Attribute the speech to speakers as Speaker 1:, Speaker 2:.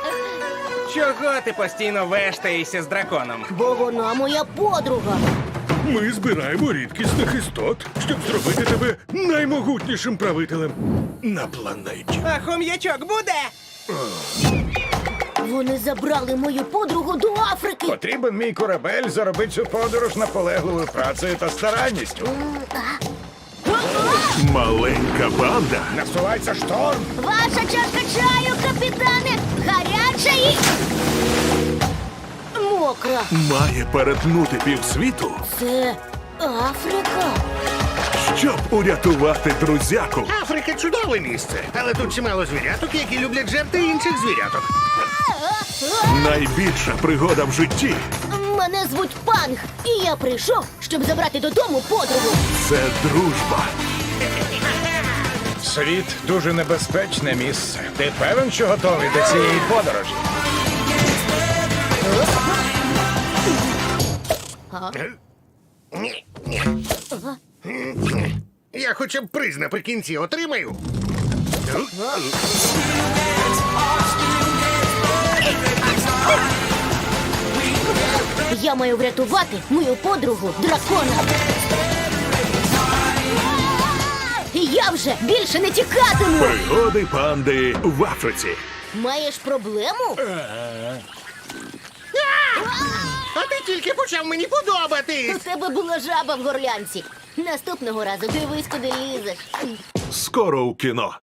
Speaker 1: Чого ти постійно вештаєшся з драконом?
Speaker 2: Бо вона моя подруга.
Speaker 3: Ми збираємо рідкісних істот, щоб зробити тебе наймогутнішим правителем на планеті.
Speaker 1: А хом'ячок буде?
Speaker 2: Вони забрали мою подругу до Африки.
Speaker 4: Потрібен мій корабель заробити цю подорож наполегливою працею та старанністю.
Speaker 3: Маленька банда
Speaker 4: Насувається шторм.
Speaker 2: Ваша чашка чаю, капітане, гаряча і... мокра.
Speaker 3: має перетнути півсвіту,
Speaker 2: Це Африка.
Speaker 3: щоб урятувати друзяку.
Speaker 5: Африка чудове місце, але тут чимало звіряток, які люблять жерти інших звіряток.
Speaker 3: Найбільша пригода в житті
Speaker 2: Мене звуть Панг, і я прийшов, щоб забрати додому подругу.
Speaker 3: – це дружба.
Speaker 4: Світ дуже небезпечне місце. Ти певен, що готовий до цієї подорожі?
Speaker 5: Ні, ні. Я хоча б приз наприкінці отримаю.
Speaker 2: Я маю врятувати мою подругу дракона. Я вже більше не тікатиму.
Speaker 3: Пригоди панди в Африці.
Speaker 2: Маєш проблему?
Speaker 5: А ти тільки почав мені подобатись.
Speaker 2: У тебе була жаба в горлянці. Наступного разу дивись, куди лізеш.
Speaker 3: Скоро у кіно.